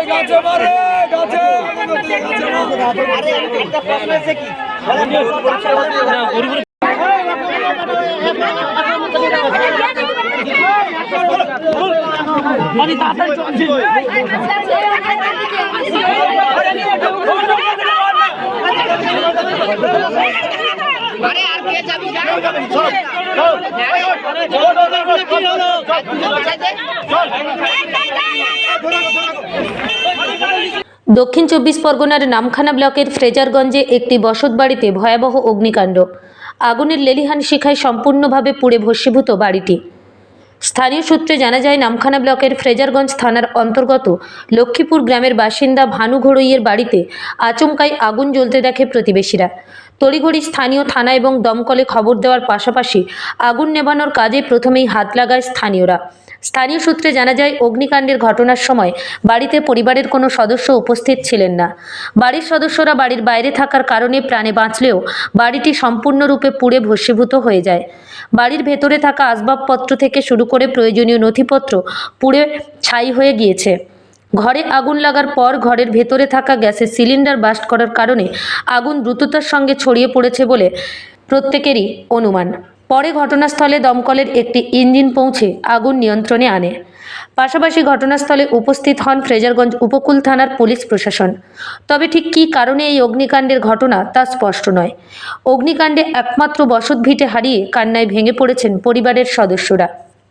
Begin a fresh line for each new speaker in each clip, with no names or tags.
দক্ষিণ 24 পরগনার নামখানা ব্লকের ফ্রেজারগঞ্জে একটি বসতবাড়িতে ভয়াবহ অগ্নিকাণ্ড। আগুনের লেলিহান শিখায় সম্পূর্ণভাবে পুড়ে ভস্মীভূত বাড়িটি। স্থানীয় সূত্রে জানা যায়, নামখানা ব্লকের ফ্রেজারগঞ্জ থানার অন্তর্গত লক্ষ্মীপুর গ্রামের বাসিন্দা ভানু ঘড়ইয়ের বাড়িতে আচমকাই আগুন জ্বলতে দেখে প্রতিবেশীরা। তড়িঘড়ি স্থানীয় থানা এবং দমকলে খবর দেওয়ার পাশাপাশি আগুন নেভানোর কাজে প্রথমেই হাত লাগায় স্থানীয়রা। স্থানীয় সূত্রে জানা যায়, অগ্নিকাণ্ডের ঘটনার সময় বাড়িতে পরিবারের কোনো সদস্য উপস্থিত ছিলেন না। বাড়ির সদস্যরা বাড়ির বাইরে থাকার কারণে প্রাণে বাঁচলেও বাড়িটি সম্পূর্ণরূপে পুড়ে ভস্মীভূত হয়ে যায়। বাড়ির ভেতরে থাকা আসবাবপত্র থেকে শুরু করে প্রয়োজনীয় নথিপত্র পুড়ে ছাই হয়ে গিয়েছে। ঘরে আগুন লাগার পর ঘরের ভেতরে থাকা গ্যাসের সিলিন্ডার বাস্ট করার কারণে আগুন দ্রুততার সঙ্গে ছড়িয়ে পড়েছে বলে প্রত্যেকেরই অনুমান। পরে ঘটনাস্থলে দমকলের একটি ইঞ্জিন পৌঁছে আগুন নিয়ন্ত্রণে আনে। পাশাপাশি ঘটনাস্থলে উপস্থিত হন ফ্রেজারগঞ্জ উপকূল থানার পুলিশ প্রশাসন। তবে ঠিক কী কারণে এই অগ্নিকাণ্ডের ঘটনা তা স্পষ্ট নয়। অগ্নিকাণ্ডে একমাত্র বসতভিটে হারিয়ে কান্নায় ভেঙে পড়েছেন পরিবারের সদস্যরা।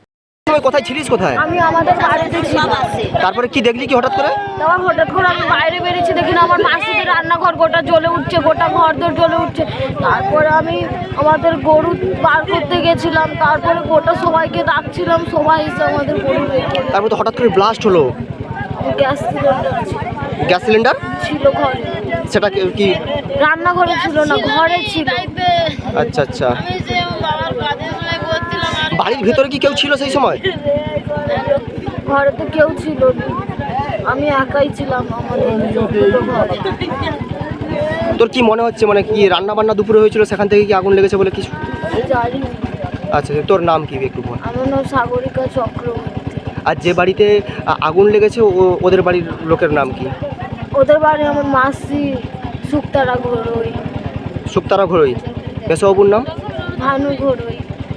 কোথায় ছিলিস? কোথায়?
আমি আমাদের বাড়িতে ছিলাম।
তারপরে কি দেখলি কি হঠাৎ করে?
তখন হঠাৎ করে আমি বাইরে বেরিয়েছি, দেখি না আমার মাসিদের রান্নাঘর গোটা জ্বলে উঠছে, গোটা ঘর দর জ্বলে উঠছে। তারপরে আমি আমাদের গরু বার করতে গেছিলাম, তারপরে গোটা সবাইকে ডাকছিলাম, সবাই এসে আমাদের গরু বের করে।
তারপরে তো হঠাৎ করে ব্লাস্ট হলো।
গ্যাস সিলিন্ডার
গ্যাস সিলিন্ডার
ছিল ঘরে।
সেটা কি
রান্নাঘরে ছিল না, ঘরে ছিল।
আচ্ছা আচ্ছা। বাড়ির ভিতরে কি কেউ ছিল সেই সময়?
ঘরে তো কেউ ছিল না, আমি একাই ছিলাম।
তোর কি মনে হচ্ছে, মানে কি রান্না বান্না দুপুরে হয়েছিল সেখান থেকে কি আগুন লেগেছে বলে কিছু
জানি?
আচ্ছা, তোর নাম কি একটু বল?
আমার নাম সাগরিকা চক্রবর্তী।
আর যে বাড়িতে আগুন লেগেছে ওদের বাড়ির লোকের নাম কি?
ওদের বাড়ি আমার মাসি শুক্তারা ঘড়ই।
শুক্তারা ঘড়ই। পেশাবাবুর নাম?
ভানু ঘড়ই।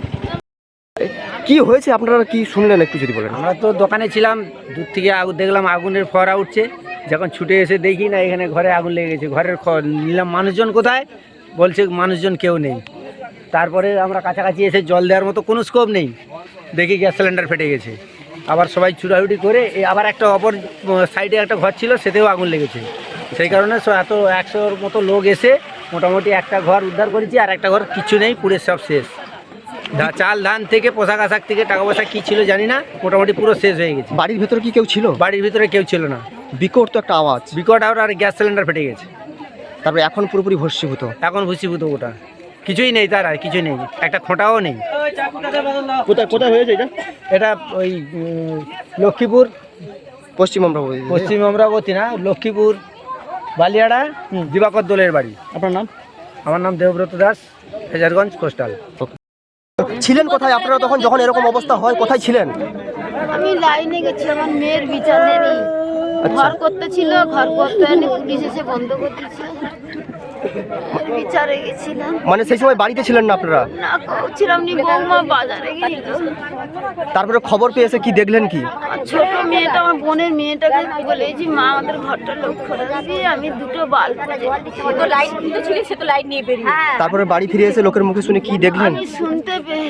কি হয়েছে আপনারা কি শুনলেন একটু যদি বলেন?
আমরা তো দোকানে ছিলাম, দূর থেকে দেখলাম আগুনের ফোয়ারা উঠছে। যখন ছুটে এসে দেখি না এখানে ঘরে আগুন লেগে গেছে। ঘরের নিলাম মানুষজন কোথায়, বলছে মানুষজন কেউ নেই। তারপরে আমরা কাছাকাছি এসে জল দেওয়ার মতো কোনো স্কোপ নেই, দেখি গ্যাস সিলিন্ডার ফেটে গেছে। আবার সবাই ছুটাছুটি করে আবার একটা অপর সাইডে একটা ঘর ছিল, সেতেও আগুন লেগেছে। সেই কারণে এত 100-র মতো লোক এসে মোটামুটি একটা ঘর উদ্ধার করেছি, আর একটা ঘর কিচ্ছু নেই, পুরো সব শেষ। চাল ধান থেকে পোশাক আশাক থেকে টাকা পয়সা কী ছিল জানি না, মোটামুটি পুরো শেষ হয়ে গেছে।
বাড়ির ভিতরে কি কেউ ছিল?
বাড়ির ভিতরে কেউ ছিল না।
বিকট তো একটা আওয়াজ।
বিকট আওয়াজ, আর গ্যাস সিলিন্ডার ফেটে গেছে।
তারপরে এখন পুরোপুরি ভস্মীভূত।
এখন ভস্মীভূত, ওটা কিছুই নেই, তার আর কিছুই নেই, একটা খোঁটাও নেই।
কোথায় কোথায় হয়েছে এটা?
এটা ওই লক্ষ্মীপুর
পশ্চিম অমরাবতী।
পশ্চিম অমরাবতী না, লক্ষ্মীপুর বালিয়াড়া দিবাকর দোলের বাড়ি।
আপনার নাম?
আমার নাম দেবব্রত দাস, ফ্রেজারগঞ্জ কোস্টাল।
ছিলেন কোথায় আপনারা তখন যখন এরকম অবস্থা হয়? কোথায় ছিলেন?
আমি লাইনে গেছি, আমার মেয়ের বিচার দেয়নি। ঘর করতে ছিল, ঘর করতে এনে পুলিশ এসে বন্ধ করে দিয়েছে। বিচারে গেছিলাম।
মানে সেই সময় বাড়িতে ছিলেন না আপনারা?
না, ছিলাম নি, বৌমা বাজারে গেছিল।
তারপরে খবর পেয়ে এসে কি দেখলেন কি?
ছোট মেয়েটা, আমার বোনের মেয়েটাকে বলেছি, মা আমাদের ঘরটা লক্ষ্য রাখবি। আমি দুটো বাল্ব লাইট ছিল, সে তো লাইট নিয়ে বেরিয়ে।
তারপরে বাড়ি ফিরে এসে লোকের মুখে শুনে কি দেখলেন?
আমি শুনতে পেয়ে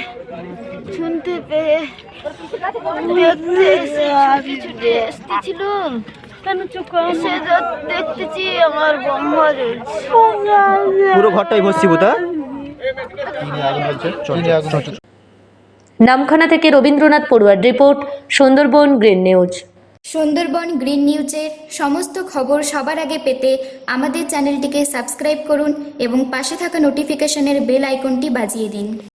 দেখতে এসে কিছু ছিল, দেখতেছি আমার বোমা জ্বলছে।
পুরো ঘরটাই ভস্মীভূত।
নামখানা থেকে রবীন্দ্রনাথ পড়ুয়ার report, Sundarban green news.
Sundarban green নিউজের সমস্ত খবর সবার আগে পেতে আমাদের চ্যানেলটিকে সাবস্ক্রাইব করুন এবং পাশে থাকা নোটিফিকেশনের বেল আইকনটি বাজিয়ে দিন।